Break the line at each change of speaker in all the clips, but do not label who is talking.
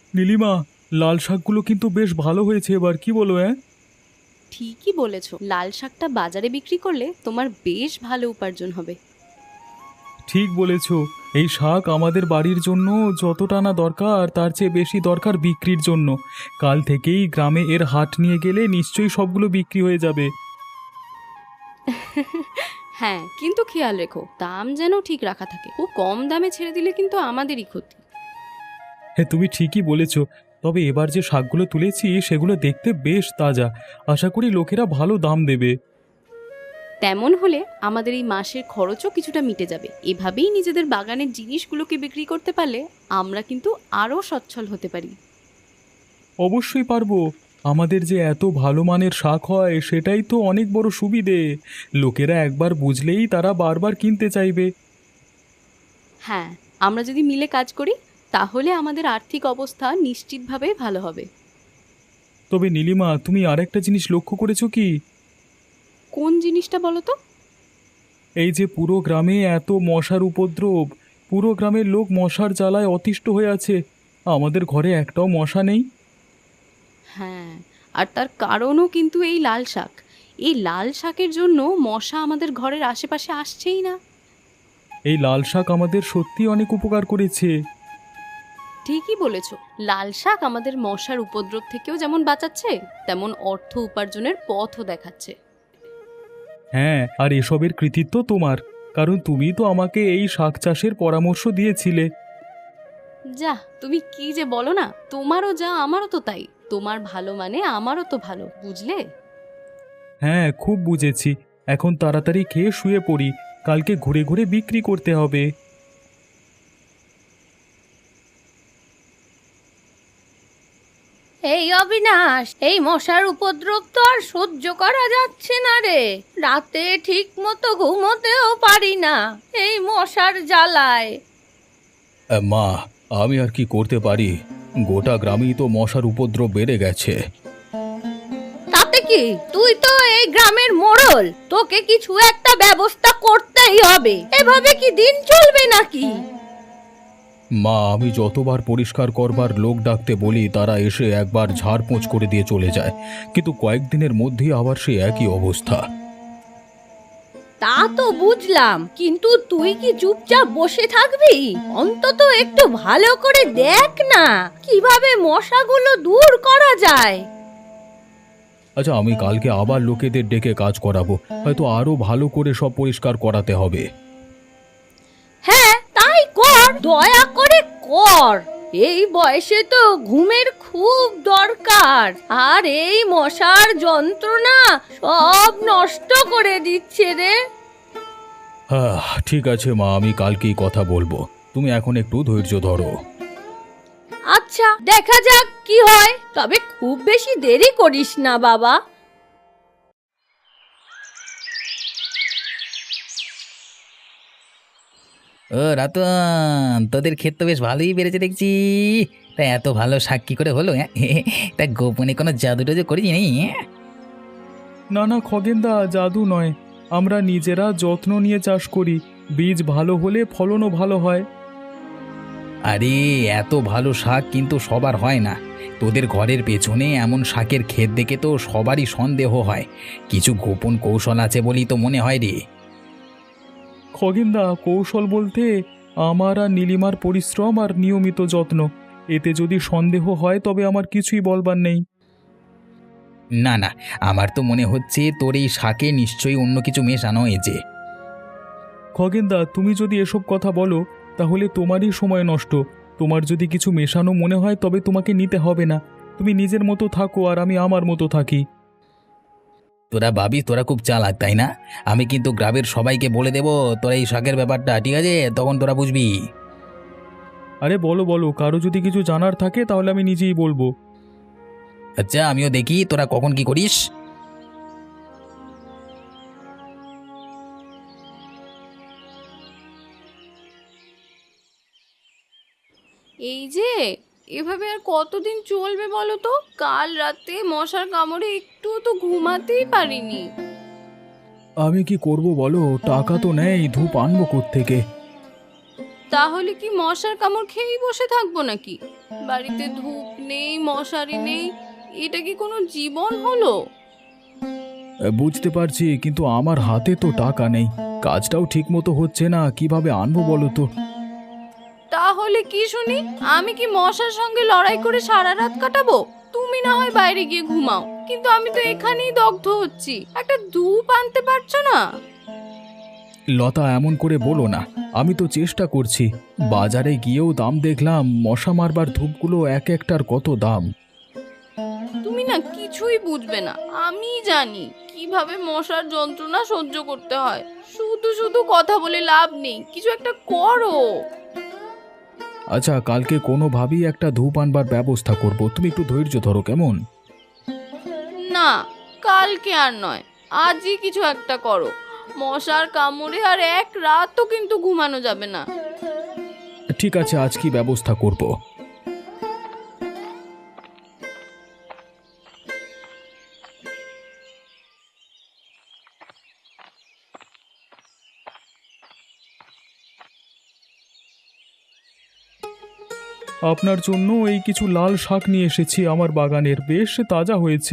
নীলিমা, লাল শাকগুলো কিন্তু বেশ ভালো হয়েছে এবার, কি বলো? হ্যাঁ,
ঠিকই বলেছো, লাল শাকটা বাজারে বিক্রি করলে তোমার বেশ ভালো উপার্জন হবে।
ঠিক বলেছ। এই শাক আমাদের বাড়ির জন্য যতটা না দরকার তার চেয়ে বেশি দরকার বিক্রির জন্য। কাল থেকেই গ্রামে এর হাট নিয়ে গেলে নিশ্চয়ই সবগুলো বিক্রি হয়ে যাবে।
হ্যাঁ, কিন্তু খেয়াল রেখো দাম যেন ঠিক রাখা থাকে, খুব কম দামে ছেড়ে দিলে কিন্তু আমাদেরই ক্ষতি।
হ্যাঁ, তুমি ঠিকই বলেছ। তবে এবার যে শাকগুলো তুলেছি সেগুলো দেখতে বেশ তাজা। আশা করি লোকেরা ভালো দাম দেবে।
তেমন হলে আমাদের এই মাসের খরচও কিছুটা মিটে যাবে। এভাবেই নিজেদের বাগানের জিনিসগুলোকে বিক্রি করতে পারলে আমরা কিন্তু আরও সচ্ছল হতে পারি।
অবশ্যই পারবো। আমাদের যে এত ভালো মানের শাক হয় সেটাই তো অনেক বড় সুবিধে। লোকেরা একবার বুঝলেই তারা বারবার কিনতে চাইবে।
হ্যাঁ, আমরা যদি মিলে কাজ করি তাহলে আমাদের আর্থিক অবস্থা নিশ্চিতভাবে ভালো হবে।
তবে নীলিমা, তুমি আরেকটা জিনিস লক্ষ্য করেছো কি?
কোন জিনিসটা বলো তো?
এই যে পুরো গ্রামে এত মশার উপদ্রব, পুরো গ্রামের লোক মশার জ্বালায় অতিষ্ঠ হয়ে আছে। আমাদের ঘরে একটাও মশা নেই।
হ্যাঁ, আর তার কারণও কিন্তু এই লাল শাক। এই লাল শাকের জন্য মশা আমাদের ঘরের আশেপাশে আসছেই না।
এই লাল শাক আমাদের সত্যি অনেক উপকার করেছে।
ঠিকই বলেছ, লাল শাক আমাদের মশার উপদ্রব থেকেও যেমন বাঁচাচ্ছে, তেমন অর্থ উপার্জনের পথও দেখাচ্ছে।
হ্যাঁ, আর এসবের কৃতিত্ব তোমার, কারণ তুমি তো আমাকে এই শাক চাষের পরামর্শ দিয়েছিলে।
যা, তুমি কি যে বলো না, তোমারও যা আমারও তো তাই। তোমার ভালো মানে আমারও তো ভালো, বুঝলে?
হ্যাঁ, খুব বুঝেছি। এখন তাড়াতাড়ি খেয়ে শুয়ে পড়ি, কালকে ঘুরে ঘুরে বিক্রি করতে হবে।
এই অবিনাশ, এই মশার উপদ্রব তো আর সহ্য করা যাচ্ছে না রে। রাতে ঠিক মতো ঘুমোতেও পারি না এই মশার জ্বালায়।
মা, আমি আর কি করতে পারি? গোটা গ্রামেই তো মশার উপদ্রব বেড়ে গেছে।
তাতে কি, তুই তো এই গ্রামের মোড়ল, তোকে কিছু একটা ব্যবস্থা করতেই হবে। এভাবে কি দিন চলবে নাকি?
মা, আমি যতবার পরিষ্কার করবার লোক ডাকতে বলি তারা এসে একবার ঝাড়পোঁছ করে দিয়ে চলে যায়, কিন্তু কয়েকদিনের মধ্যেই আবার সে একই অবস্থা।
তা তো বুঝলাম, কিন্তু তুই কি চুপচাপ বসে থাকবি? অন্তত একটু ভালো করে দেখ না কিভাবে মশাগুলো দূর করা যায়।
আচ্ছা, আমি কালকে আবার লোকেদের ডেকে কাজ করাবো, হয়তো আরো ভালো করে সব পরিষ্কার করাতে হবে।
হ্যাঁ, তাই কর, দয়া করে কর। এই বয়সে তো ঘুমের খুব দরকার, আর এই মশার যন্ত্রণা সব নষ্ট করে দিচ্ছে রে।
হ্যাঁ, ঠিক আছে মা, আমি কালকেই কথা বলবো। তুমি এখন একটু ধৈর্য ধরো।
আচ্ছা, দেখা যাক কি হয়, তবে খুব বেশি দেরি করিস না বাবা।
ও রতন, তোদের ক্ষেত তো বেশ ভালোই বেড়েছে দেখছি। তা এত ভালো শাক কি করে হলো? হ্যাঁ, তা গোপনে কোনো জাদু টাদু করিস নি?
না না খগেনদা, জাদু নয়। আমরা নিজেরা যত্ন নিয়ে চাষ করি, বীজ ভালো হলে ফলনও ভালো হয়।
আরে, এত ভালো শাক কিন্তু সবার হয় না। তোদের ঘরের পেছনে এমন শাকের ক্ষেত দেখে তো সবারই সন্দেহ হয়। কিছু গোপন কৌশল আছে বলেই তো মনে হয় রে।
খগেনদা, কৌশল বলতে আমার আর নীলিমার পরিশ্রম আর নিয়মিত যত্ন। এতে যদি সন্দেহ হয় তবে আমার কিছুই বলবার নেই।
না না, আমার তো মনে হচ্ছে তোর এই শাকে নিশ্চয়ই অন্য কিছু মেশানো হয়েছে।
খগেনদা, তুমি যদি এসব কথা বলো তাহলে তোমারই সময় নষ্ট। তোমার যদি কিছু মেশানো মনে হয় তবে তোমাকে নিতে হবে না। তুমি নিজের মতো থাকো আর আমি আমার মতো থাকি।
তোরা ভাবিস তোরা খুব চালাক, তাই না? আমি কিন্তু গ্রামের সবাইকে বলে দেবো তোরা এই শাকের ব্যাপারটা, ঠিক আছে? তখন তোরা বুঝবি।
আরে বলো বলো, কারো যদি কিছু জানার থাকে তাহলে আমি নিজেই বলবো।
আচ্ছা, আমিও দেখি তোরা কখন কি করিস।
এই যে, এভাবে আর কতদিন চলবে বলো তো? কাল রাতে মশার কামড়ে একটু তো ঘুমাতেই পারিনি।
আমি কি করব বলো, টাকা তো নেই, ধূপ আনবো কোত্থেকে?
তাহলে কি মশার কামড় খেয়েই বসে থাকবো নাকি? বাড়িতে ধূপ নেই, মশারি নেই, এটা কি কোনো জীবন হলো?
বুঝতে পারছি, কিন্তু আমার হাতে তো টাকা নেই, কাজটাও ঠিক মতো হচ্ছে না, কিভাবে আনবো বলো তো?
তাহলে কি শুনি, আমি কি মশার সঙ্গে লড়াই করে সারা রাত কাটাবো? তুমি না হয় বাইরে গিয়ে ঘুমাও, কিন্তু আমি তো এখানেই দগ্ধ হচ্ছি। একটা ধূপ আনতে পারছো না?
লতা, এমন করে বলো না, আমি তো চেষ্টা করছি। বাজারে গিয়েও দাম দেখলাম, মশা মারবার ধূপগুলো এক একটার কত দাম।
তুমি না কিছুই বুঝবে না, আমি জানি কিভাবে মশার যন্ত্রণা সহ্য করতে হয়। শুধু শুধু কথা বলে লাভ নেই, কিছু একটা করো।
আচ্ছা, কালকে কোনোভাবেই একটা ধূপ আনবার ব্যবস্থা করব, তুমি একটু ধৈর্য ধরো, কেমন?
না, কালকে আর নয়, আজই কিছু একটা করো। মশার কামড়ে আর এক রাতও কিন্তু ঘুমানো যাবে না।
ঠিক আছে, আজ কি ব্যবস্থা করব। আপনার জন্য এই কিছু লাল শাক নিয়ে এসেছি, আমার বাগানের, বেশ তাজা হয়েছে।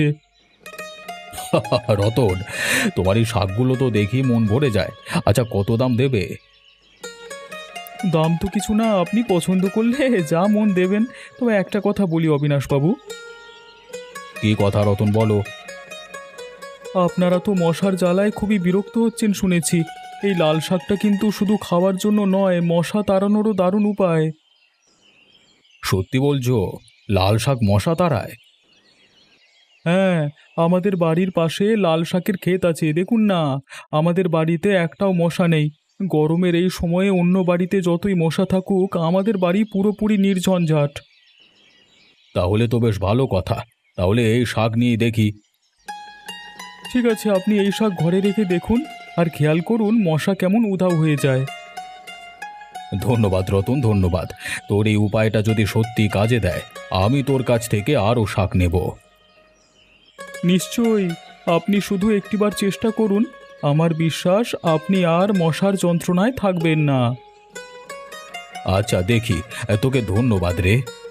রতন, তোমার এই শাকগুলো তো দেখি মন ভরে যায়। আচ্ছা, কত দাম দেবে? দাম তো কিছু না, আপনি পছন্দ করলে যা মন দেবেন। তবে একটা কথা বলি অবিনাশবাবু। কি কথা রতন, বলো। আপনারা তো মশার জ্বালায় খুবই বিরক্ত হচ্ছেন শুনেছি। এই লাল শাকটা কিন্তু শুধু খাওয়ার জন্য নয়, মশা তাড়ানোরও দারুণ উপায়। সত্যি বলছো? লাল শাক মশা তাড়ায়? হ্যাঁ, আমাদের বাড়ির পাশে লাল শাকের ক্ষেত আছে, দেখুন না। আমাদের বাড়িতে একটাও মশা নেই। গরমের এই সময়ে অন্য বাড়িতে যতই মশা থাকুক, আমাদের বাড়ি পুরোপুরি নির্ঝঞ্ঝাট। তাহলে তো বেশ ভালো কথা। তাহলে এই শাক নিয়ে দেখি। ঠিক আছে, আপনি এই শাক ঘরে রেখে দেখুন, আর খেয়াল করুন মশা কেমন উধাও হয়ে যায়। ধন্যবাদ রতন, ধন্যবাদ। তোর এই উপায়টা যদি সত্যি কাজে দেয়, আমি তোর কাছ থেকে আরও শাক নেব। নিশ্চয়ই, আপনি শুধু একটিবার চেষ্টা করুন। আমার বিশ্বাস আপনি আর মশার যন্ত্রণায় থাকবেন না। আচ্ছা, দেখি। তোকে ধন্যবাদ রে।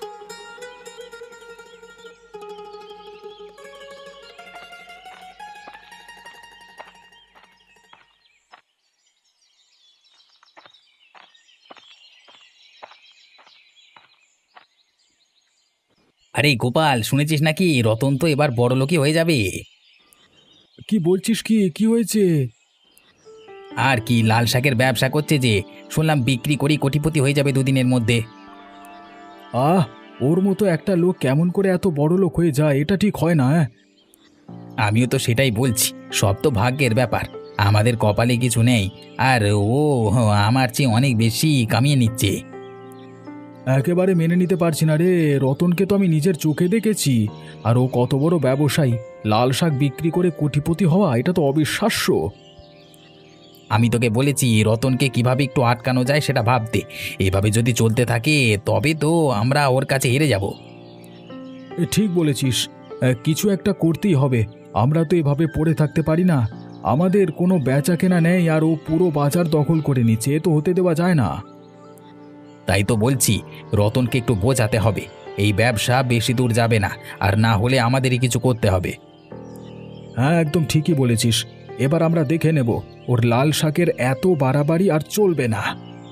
আরে গোপাল, শুনেছিস নাকি রতন তো এবার বড়লোকই হয়ে যাবে?
কি বলছিস? কি কি হয়েছে?
আর কি, লাল শাকের ব্যবসা করছে যে, শুনলাম বিক্রি করি কোটিপতি হয়ে যাবে দুদিনের মধ্যে।
আহ, ওর মতো একটা লোক কেমন করে এত বড় লোক হয়ে যায়? এটা ঠিক হয় না।
আমিও তো সেটাই বলছি, সব তো ভাগ্যের ব্যাপার। আমাদের কপালে কিছু নেই, আর ও আমার চেয়ে অনেক বেশি কামিয়ে নিচ্ছে।
একেবারে মেনে নিতে পারছি না রে। রতনকে তো আমি নিজের চোখে দেখেছি, আর ও কত বড় ব্যবসায়ী। লাল শাক বিক্রি করে কোটিপতি হওয়া, এটা তো অবিশ্বাস্য।
আমি তোকে বলেছি রতনকে কিভাবে একটু আটকানো যায় সেটা ভাবতে। এভাবে যদি চলতে থাকে তবে তো আমরা ওর কাছে হেরে যাব।
ঠিক বলেছিস, কিছু একটা করতেই হবে। আমরা তো এভাবে পড়ে থাকতে পারি না। আমাদের কোনো বেচা কেনা নেই, আর ও পুরো বাজার দখল করে নিচ্ছে। এ তো হতে দেওয়া যায় না।
তাই তো বলছি, রতনকে একটু বোঝাতে হবে এই ব্যবসা বেশি দূর যাবে না, আর না হলে আমাদেরই কিছু করতে হবে।
হ্যাঁ, একদম ঠিকই বলেছিস। এবার আমরা দেখে নেব, ওর লাল শাকের এত বাড়াবাড়ি আর চলবে না।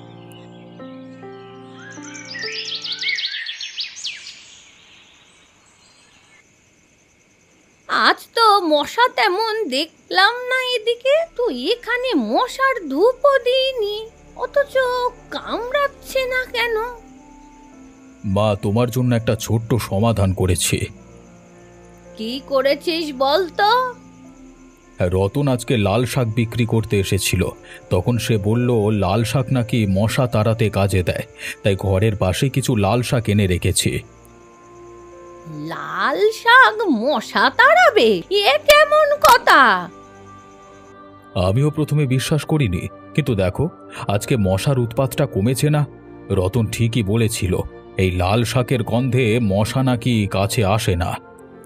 আজ তো মশা তেমন দেখলাম না এদিকে। তো এখানে মশার ধূপও দিইনি, অথচ কামড়াচ্ছে না কেন?
মা, তোমার জন্য একটা ছোট্ট সমাধান করেছি।
কি করেছিস বল তো?
রতন আজকে লাল শাক বিক্রি করতে এসেছিল। তখন সে বলল লাল শাক নাকি মশা তাড়াতে কাজে দেয়, তাই ঘরের পাশে কিছু লাল শাক এনে রেখেছি।
লাল শাক মশা তাড়াবে? এ কেমন কথা?
আমিও প্রথমে বিশ্বাস করিনি, কিন্তু দেখো, আজকে মশার উৎপাতটা কমেছে না। রতন ঠিকই বলেছিল, এই লাল শাকের গন্ধে মশা নাকি কাছে আসে না।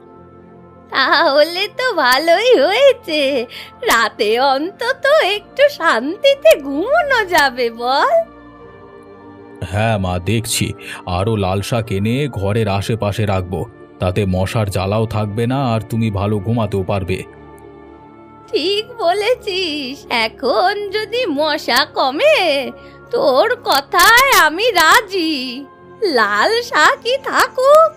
তাহলে তো ভালোই হয়েছে, রাতে অন্তত একটু শান্তিতে ঘুমানো যাবে বল।
হ্যাঁ মা, দেখছি। আরও লাল শাক এনে ঘরের আশেপাশে রাখবো, তাতে মশার জ্বালাও থাকবে না আর তুমি ভালো ঘুমাতেও পারবে।
ঠিক বলেছিস, এখন যদি মশা কমে তোর কথায় আমি রাজি। লাল শাকই থাকুক।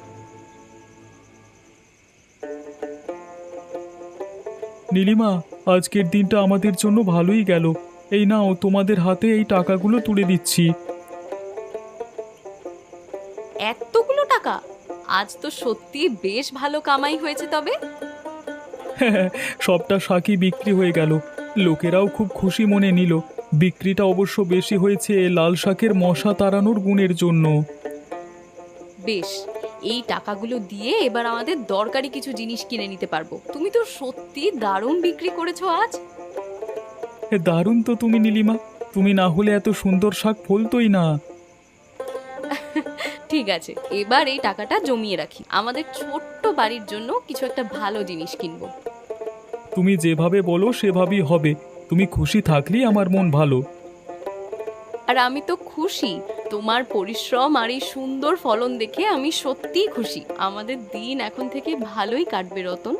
নীলিমা, আজকের দিনটা আমাদের জন্য ভালোই গেল। এই নাও, তোমাদের হাতে এই টাকাগুলো তুলে দিচ্ছি।
এতগুলো টাকা! আজ তো সত্যি বেশ ভালো কামাই হয়েছে তবে।
সবটা শাকই বিক্রি হয়ে গেল। লোকেরাও খুব খুশি মনে নিল। বিক্রিটা অবশ্য বেশি হয়েছে লাল শাকের মশা তাড়ানোর গুণের জন্য।
বেশ, এই টাকাগুলো দিয়ে এবার আমাদের দরকারি কিছু জিনিস কিনে নিতে পারবো। তুমি তো সত্যি দারুণ বিক্রি করেছো আজ।
দারুণ তো তুমি নীলিমা, তুমি না হলে এত সুন্দর শাক ফলতোই না।
ঠিক আছে, এবার এই টাকাটা জমিয়ে রাখি, আমাদের ছোট্ট বাড়ির জন্য কিছু একটা ভালো জিনিস কিনবো।
তুমি যেভাবে বলো সেভাবেই হবে। তুমি খুশি থাকলেই আমার মন ভালো।
আর আমি তো খুশি, তোমার পরিশ্রম আর এই সুন্দর ফলন দেখে আমি সত্যিই খুশি। আমাদের দিন এখন থেকে ভালোই কাটবে রতন।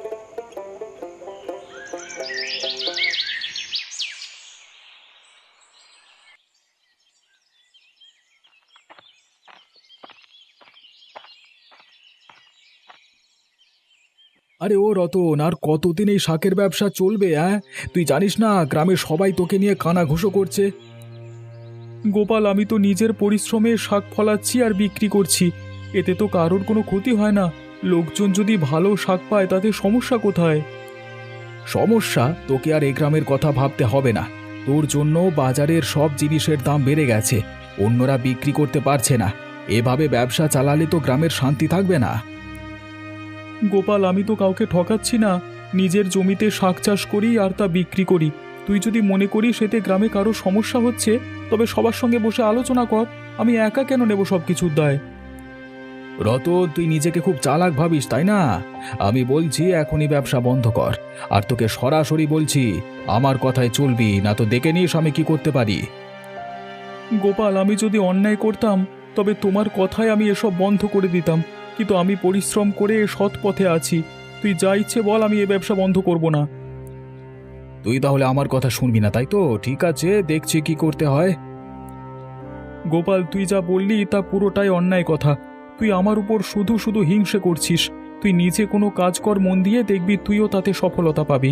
আরে ও রতন, আর কতদিন এই শাকের ব্যবসা চলবে? তুই জানিস না গ্রামের সবাই তোকে নিয়ে কানাঘুষো করছে। গোপাল, আমি তো নিজের পরিশ্রমে শাক ফলাচ্ছি আর বিক্রি করছি, এতে তো কারোর কোনো ক্ষতি হয় না। লোকজন যদি ভালো শাক পায় তাতে সমস্যা কোথায়? সমস্যা? তোকে আর এই গ্রামের কথা ভাবতে হবে না। তোর জন্য বাজারের সব জিনিসের দাম বেড়ে গেছে, অন্যরা বিক্রি করতে পারছে না। এভাবে ব্যবসা চালালে তো গ্রামের শান্তি থাকবে না। গোপাল, আমি তো কাউকে ঠকাচ্ছি না। নিজের জমিতে শাক চাষ করি আর তা বিক্রি করি। তুই যদি মনে করিস এতে গ্রামে কারো সমস্যা হচ্ছে, তবে সবার সঙ্গে বসে আলোচনা কর। আমি একা কেন নেব সব কিছুর দায়? রতন, তুই নিজেকে খুব চালাক ভাবিস, তাই না? আমি বলছি এখনই ব্যবসা বন্ধ কর। আর তোকে সরাসরি বলছি, আমার কথায় চলবি, না তো দেখে নিস আমি কি করতে পারি। গোপাল, আমি যদি অন্যায় করতাম তবে তোমার কথায় আমি এসব বন্ধ করে দিতাম, কিন্তু আমি পরিশ্রম করে সৎ পথে আছি। তুই যা ইচ্ছে বল, আমি এ ব্যবসা বন্ধ করব না। তুই তাহলে আমার কথা শুনবি না, তাই তো? ঠিক আছে, দেখছি কি করতে হয়। গোপাল, তুই যা বললি তা পুরোটাই অন্যায় কথা। তুই আমার উপর শুধু শুধু হিংসে করছিস। তুই নিজে কোনো কাজ কর মন দিয়ে, দেখবি তুইও তাতে সফলতা পাবি।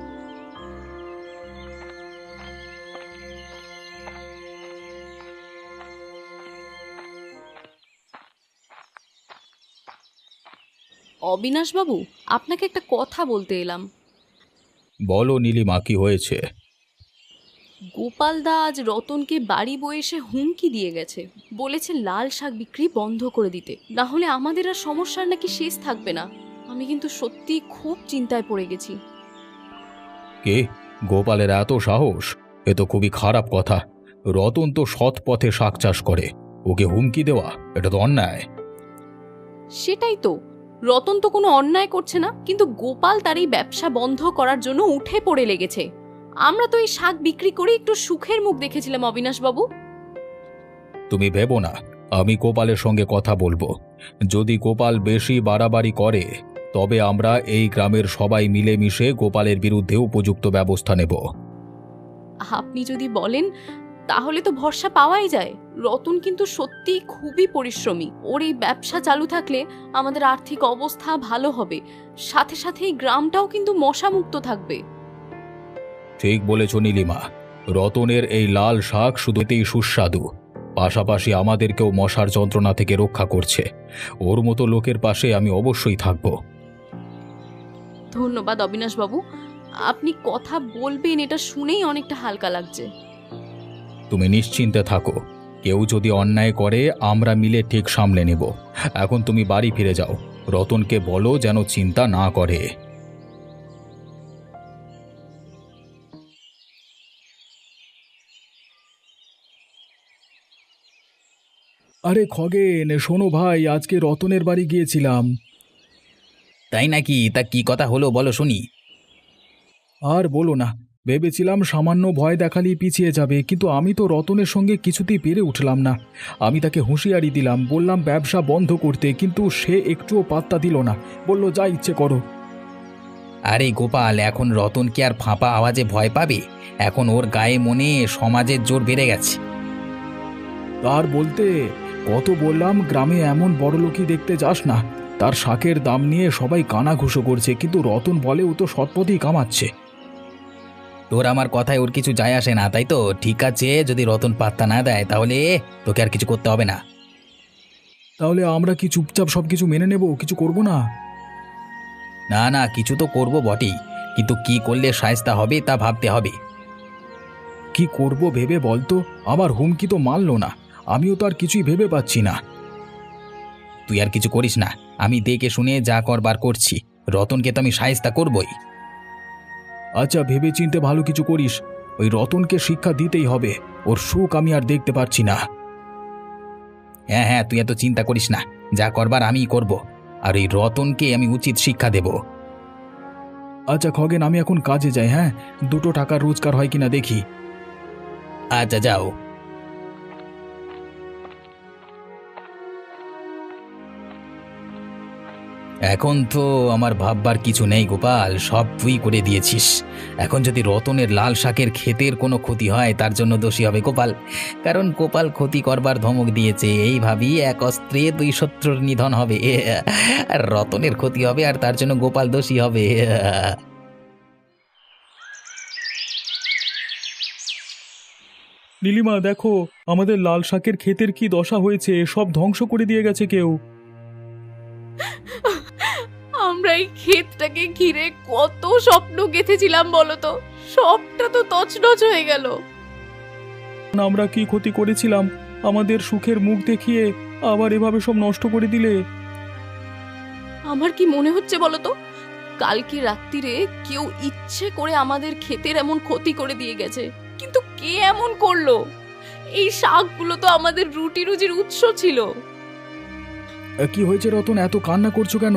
অবিনাশবাবু, আপনাকে একটা কথা বলতে এলাম।
বলো নীলিমা, কি হয়েছে?
গোপালদা আজ রতনকে বাড়ি বয়ে এসে হুমকি দিয়ে গেছে, বলেছে লাল শাক বিক্রি বন্ধ করে দিতে, না হলে আমাদের আর সমস্যার নাকি শেষ থাকবে না। আমি কিন্তু সত্যি খুব চিন্তায় পড়ে গেছি।
কে? গোপালের এত সাহস? এ তো খুবই খারাপ কথা। রতন তো সৎ পথে শাক চাষ করে, ওকে হুমকি দেওয়া এটা তো অন্যায়।
সেটাই তো, রতন তো কোনো অন্যায় করছে না, কিন্তু গোপাল তার এই ব্যবসা বন্ধ করার জন্য উঠে পড়ে লেগেছে। আমরা তো এই শাক বিক্রি করে একটু সুখের মুখ দেখেছিলাম অবিনাশবাবু।
তুমি ভেবো না, আমি গোপালের সঙ্গে কথা বলবো। যদি গোপাল বেশি বাড়াবাড়ি করে তবে আমরা এই গ্রামের সবাই মিলেমিশে গোপালের বিরুদ্ধে উপযুক্ত ব্যবস্থা নেব।
আপনি যদি বলেন তাহলে তো ভরসা পাওয়াই যায়। রতন কিন্তু সত্যি খুবই পরিশ্রমী, ওর এই ব্যবসা চালু থাকলে আমাদের আর্থিক অবস্থা ভালো হবে, সাথে সাথে এই গ্রামটাও কিন্তু মশামুক্ত থাকবে।
ঠিক বলেছ নীলিমা, রতনের এই লাল শাক শুধুতেই সুস্বাদু, পাশাপাশি আমাদেরকেও মশার যন্ত্রণা থেকে রক্ষা করছে। ওর মতো লোকের পাশে আমি অবশ্যই থাকব।
ধন্যবাদ অবিনাশবাবু, আপনি কথা বলবেন এটা শুনেই অনেকটা হালকা লাগছে।
তুমি নিশ্চিন্তে থাকো, কেউ যদি অন্যায় করে আমরা মিলে ঠিক সামলে নেব। এখন তুমি বাড়ি ফিরে যাও, রতনকে বলো যেন চিন্তা না করে। আরে খগেন, শোনো ভাই, আজকে রতনের বাড়ি গিয়েছিলাম।
তাই নাকি? তা কি কথা হলো বলো শুনি।
আর বলো না, ভেবেছিলাম সামান্য ভয় দেখালেই পিছিয়ে যাবে, কিন্তু আমি তো রতনের সঙ্গে কিছুতেই পেরে উঠলাম না। আমি তাকে হুঁশিয়ারি দিলাম, বললাম ব্যবসা বন্ধ করতে, কিন্তু সে একটুও পাত্তা দিল না, বলল যা ইচ্ছে করো।
আরে গোপাল, এখন রতন কি আর ফাঁপা আওয়াজে ভয় পাবে? এখন ওর গায়ে মনে সমাজের জোর বেড়ে গেছে।
তার বলতে, কত বললাম গ্রামে এমন বড়লোকই দেখতে যাস না, তার শাকের দাম নিয়ে সবাই কানাঘুষো করছে, কিন্তু রতন বলে ও তো সৎপথেই কামাচ্ছে।
তোর আমার কথায় ওর কিছু যায় আসে না, তাই তো? ঠিক আছে, যদি রতন পাত্তা না দেয় তাহলে তোকে আর কিছু করতে হবে না।
তাহলে আমরা কি চুপচাপ সবকিছু মেনে নেব, কিছু করব না?
না না, কিছু তো করব বটেই, কিন্তু কি করলে শায়েস্তা হবে তা ভাবতে হবে।
কি করব ভেবে বলতো, আমার হুমকি তো মানলো না, আমিও তো আর কিছুই ভেবে পাচ্ছি না।
তুই আর কিছু করিস না, আমি দেখে শুনে যা করবার করছি। রতনকে তো আমি শায়েস্তা করবই।
আচ্ছা, ভেবে চিনতে ভালো কিছু করিস, ওই রতনকে শিক্ষা দিতেই হবে, ওর সুখ আমি আর দেখতে পারছি না।
হ্যাঁ হ্যাঁ, তুই এত চিন্তা করিস না, যা করবার আমিই করব, আর এই রতনকে আমি উচিত শিক্ষা দেব।
আচ্ছা খগেন, আমি এখন কাজে যাই, হ্যাঁ, 2 টাকার রোজগার হয় কিনা দেখি।
আচ্ছা যাও। এখন তো আমার ভাববার কিছু নেই গোপাল, সব তুই করে দিয়েছিস। এখন যদি রতনের লাল শাকের ক্ষেতের কোনো ক্ষতি হয় তার জন্য দোষী হবে গোপাল, কারণ গোপাল ক্ষতি করবার ধমক দিয়েছে। এই ভাবি এক অস্ত্রে 2 শত্রুর নিধন হবে, আর রতনের ক্ষতি হবে আর তার জন্য গোপাল দোষী হবে।
নীলিমা, দেখো আমাদের লাল শাকের ক্ষেতের কি দশা হয়েছে, সব ধ্বংস করে দিয়ে গেছে কেউ।
আমরা এই ক্ষেতটাকে ঘিরে কত স্বপ্ন গেঁথেছিলাম বলো তো, সবটা তো তছনছ হয়ে গেল।
আমরা কি ক্ষতি করেছিলাম, আমাদের সুখের মুখ দেখিয়ে আবার এভাবে সব নষ্ট করে দিলে।
আমার কি মনে হচ্ছে বলো তো, কালকে রাত্রিরে কেউ ইচ্ছে করে আমাদের ক্ষেতের এমন ক্ষতি করে দিয়ে গেছে। কিন্তু কে এমন করলো? এই শাকগুলো তো আমাদের রুটি রুজির উৎস ছিল।
কি হয়েছে রতন, এত কান্না করছো কেন?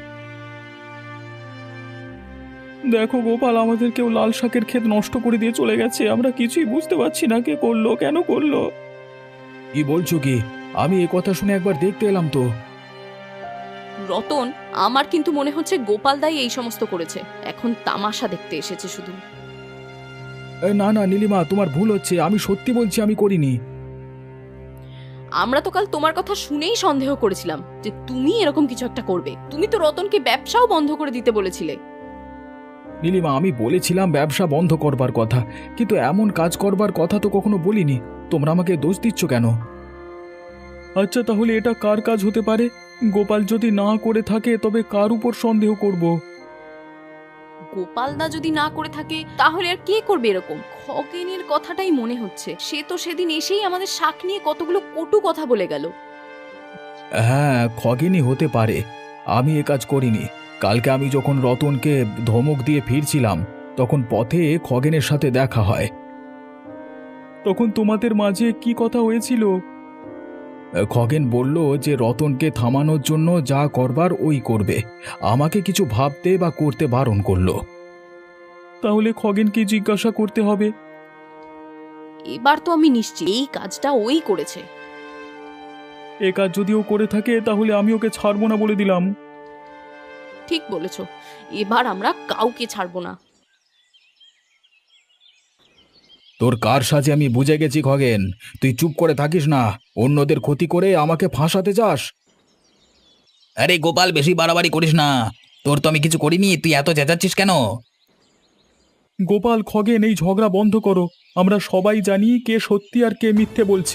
দেখো গোপাল, আমাদের কেউ লাল শাকের ক্ষেত নষ্ট করে দিয়ে চলে গেছে, আমরা কিছুই বুঝতে পারছি না কে করলো, কেন করলো। কি বলছো কি? আমি এ কথা শুনে একবার দেখতে এলাম তো।
রতন, আমার কিন্তু মনে হচ্ছে গোপাল দাই এই সমস্ত করেছে, এখন তামাশা দেখতে এসেছে শুধু।
না না নীলিমা, তোমার ভুল হচ্ছে, আমি সত্যি বলছি আমি করিনি।
আমরা তো কাল তোমার কথা শুনেই সন্দেহ করেছিলাম যে তুমি এরকম কিছু একটা করবে। তুমি তো রতনকে ব্যবসাও বন্ধ করে দিতে বলেছিলে।
নীলিমা, আমি বলেছিলাম ব্যবসা বন্ধ করবার কথা, কিন্তু এমন কাজ করবার কথা তো কখনো বলিনি। তোমরা আমাকে দোষ দিচ্ছ কেন? আচ্ছা, তাহলে এটা কার কাজ হতে পারে? গোপাল যদি না করে থাকে তবে কার উপর সন্দেহ করব?
গোপাল দা যদি না করে থাকে তাহলে আর কে করবে এরকম? খগেনের কথাটাই মনে হচ্ছে, সে তো সেদিন এসেই আমাদের শাক নিয়ে কতগুলো কটু কথা বলে গেল।
হ্যাঁ, খগেনই হতে পারে, আমি এ কাজ করিনি। কালকে আমি যখন রতনকে ধমক দিয়ে ফিরছিলাম তখন পথে খগেনের সাথে দেখা হয়। তখন তোমাদের মাঝে কি কথা হয়েছিল? খগেন বলল যে রতনকে থামানোর জন্য যা করবার ওই করবে, আমাকে কিছু ভাবতে বা করতে বারণ করলো। তাহলে খগেনকে জিজ্ঞাসা করতে হবে।
এবার তো আমি নিশ্চিত এই কাজটা ওই করেছে।
এ কাজ যদি ও করে থাকে তাহলে আমি ওকে ছাড়বো না বলে দিলাম।
ঠিক বলেছ, এবার আমরা কাউকে ছাড়বো না।
তোর কার সাজে আমি বুঝে গেছি খগেন, তুই চুপ করে থাকিস না, অন্যদের ক্ষতি করে আমাকে ফাঁসাতে চাস।
আরে গোপাল, বেশি বাড়াবাড়ি করিস না, তোর তো আমি কিছু করিনি, তুই এত চেঁচাচ্ছিস কেন?
গোপাল, খগেন, এই ঝগড়া বন্ধ করো, আমরা সবাই জানি কে সত্যি আর কে মিথ্যে বলছে।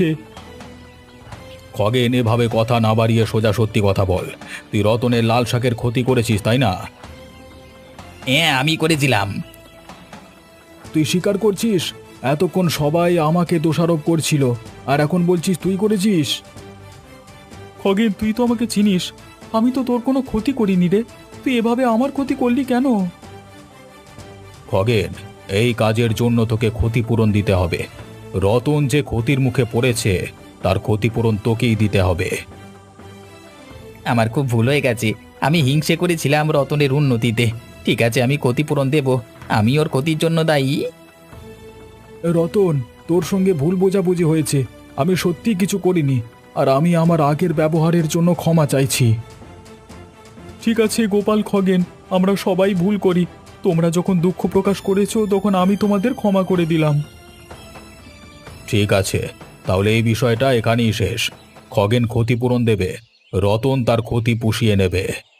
খগেন, এভাবে কথা না বাড়িয়ে সোজা সত্যি কথা বল, তুই রতনের লাল শাকের ক্ষতি করেছিস তাই না?
হ্যাঁ, আমি করেছিলাম।
তুই স্বীকার করছিস? এতক্ষণ সবাই আমাকে দোষারোপ করছিল, আর এখন বলছিস তুই করেছিস? খগেন, তুই তো আমাকে চিনিস, আমি তো তোর কোনো ক্ষতি করিনি রে, তুই এভাবে আমার ক্ষতি করলি কেন? খগেন, এই কাজের জন্য তোকে ক্ষতিপূরণ দিতে হবে। রতন যে ক্ষতির মুখে পড়েছে তার ক্ষতিপূরণ তোকেই দিতে হবে।
আমার খুব ভুল হয়ে গেছে, আমি হিংসে করেছিলাম রতনের উন্নতিতে। ঠিক আছে, আমি ক্ষতিপূরণ দেব, আমি ওর ক্ষতির জন্য দায়ী।
রতন, তোর সঙ্গে ভুল বোঝাবুঝি হয়েছে। আমি সত্যি কিছু করিনি, আর আমি আমার আগের ব্যবহারের জন্য ক্ষমা চাইছি। ঠিক আছে গোপাল, খগেন, আমরা সবাই ভুল করি। তোমরা যখন দুঃখ প্রকাশ করেছো তখন আমি তোমাদের ক্ষমা করে দিলাম। ঠিক আছে, তাহলে এই বিষয়টা এখানেই শেষ। খগেন ক্ষতিপূরণ দেবে, রতন তার ক্ষতি পুষিয়ে নেবে।